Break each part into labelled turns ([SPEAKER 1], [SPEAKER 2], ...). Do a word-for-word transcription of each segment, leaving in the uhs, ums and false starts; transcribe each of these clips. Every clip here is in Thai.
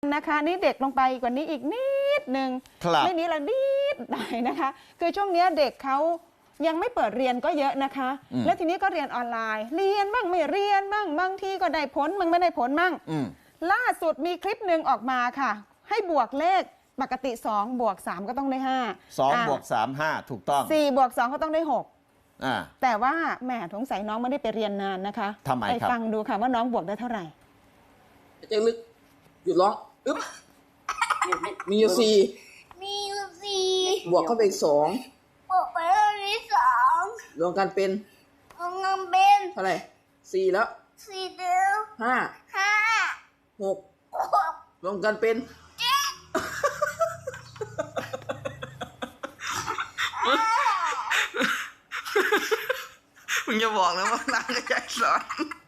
[SPEAKER 1] นะคะนี่เด็กลงไปกว่านี้อีกนิดนึงไม่นี้ละนิดหน่อยนะคะคือช่วงนี้เด็กเขายังไม่เปิดเรียนก็เยอะนะคะแล้วทีนี้ก็เรียนออนไลน์เรียนบ้างไม่เรียนบ้างบางทีก็ได้ผลบ้างไม่ได้ผลบ้างล่าสุดมีคลิปหนึ่งออกมาค่ะให้บวกเลขปกติสองบวกสามก็ต้องได้ห้า
[SPEAKER 2] สองบวกสาม ห้าถูกต้อง
[SPEAKER 1] สี่บวกสองก็ต้องได้หก
[SPEAKER 2] อ่า
[SPEAKER 1] แต่ว่าแหมสงสัยน้องไม่ได้ไปเรียนนานนะคะ
[SPEAKER 2] ทำไมครับ
[SPEAKER 1] ไปฟังดูค่ะว่าน้องบวกได้เท่าไหร่
[SPEAKER 3] เจ๊ลึกหยุดร้องอึ๊บมีอยู่สี่
[SPEAKER 4] มีอยู่สี่
[SPEAKER 3] บวกเข้าไปอีกสอง
[SPEAKER 4] บวกไปเท่านี้สอง
[SPEAKER 3] รวมกันเป็น
[SPEAKER 4] รวมกันเป็น
[SPEAKER 3] เท่าไหร่สี่แล้ว
[SPEAKER 4] สี่เดียว
[SPEAKER 3] ห้า
[SPEAKER 4] ห้า
[SPEAKER 3] หก
[SPEAKER 4] หก
[SPEAKER 3] รวมกันเป็น
[SPEAKER 4] เจ็ด
[SPEAKER 3] มึงจะบอกแล้วว่านางจะใจสอน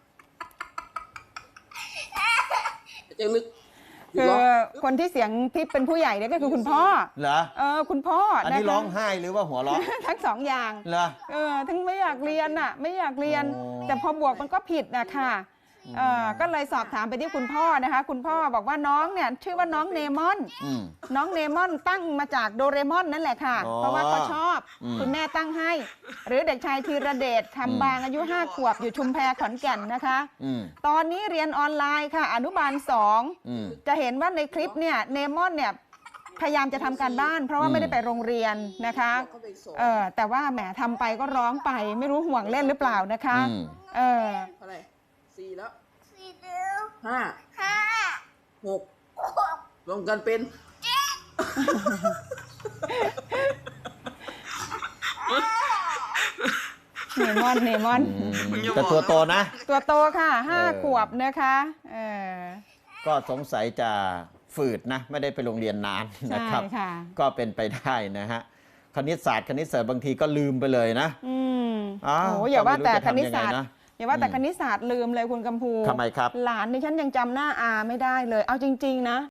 [SPEAKER 3] เจ๊ลึก
[SPEAKER 1] คือคนที่เสียงทิพเป็นผู้ใหญ่เนี่ยก็คือคุณพ่อ
[SPEAKER 2] เหรอ
[SPEAKER 1] เออคุณพ่ออั
[SPEAKER 2] นนี้ร้องไห้หรือว่าหัวเราะ
[SPEAKER 1] ทั้งสองอย่าง
[SPEAKER 2] เหรอ
[SPEAKER 1] เออทั้งไม่อยากเรียนอ่ะไม่อยากเรียนแต่พอบวกมันก็ผิดนะค่ะเออก็เลยสอบถามไปที่คุณพ่อนะคะคุณพ่อบอกว่าน้องเนี่ยชื่อว่าน้องเนมอนน้องเนมอนตั้งมาจากโดเรมอนนั่นแหละค่ะเพราะว่าเขาชอบคุณแม่ตั้งให้หรือเด็กชายธีรเดชคำบางอายุห้าขวบอยู่ชุมแพขอนแก่นนะคะตอนนี้เรียนออนไลน์ค่ะอนุบาลสองจะเห็นว่าในคลิปเนี่ยเนมอนเนี่ยพยายามจะทำการบ้านเพราะว่าไม่ได้ไปโรงเรียนนะคะเออแต่ว่าแหมทำไปก็ร้องไปไม่รู้ห่วงเล่นหรือเปล่านะคะเออ
[SPEAKER 3] เท่าไหร่สี่แล้ว
[SPEAKER 4] สี่เดียว
[SPEAKER 3] ห้า
[SPEAKER 4] ห้า
[SPEAKER 3] หก
[SPEAKER 4] หก
[SPEAKER 3] รวมกันเป็น
[SPEAKER 4] เจ็ด
[SPEAKER 1] เนมอนเนมอน
[SPEAKER 2] แต่ตัวโตนะ
[SPEAKER 1] ตัวโตค่ะห้าขวบนะคะเออ
[SPEAKER 2] ก็สงสัยจะฝืดนะไม่ได้ไปโรงเรียนนานนะครับก็เป็นไปได้นะฮะคณิตศาสตร์คณิตศาสตร์บางทีก็ลืมไปเลยนะ
[SPEAKER 1] อืมโอ้อย่าว่าแต่คณิตศาสตร์อย่าว่าแต่คณิตศาสตร์ลืมเลยคุณกำพู
[SPEAKER 2] ทำไมครับ
[SPEAKER 1] หลานดิฉันยังจำหน้าอาไม่ได้เลยเอาจริงๆนะ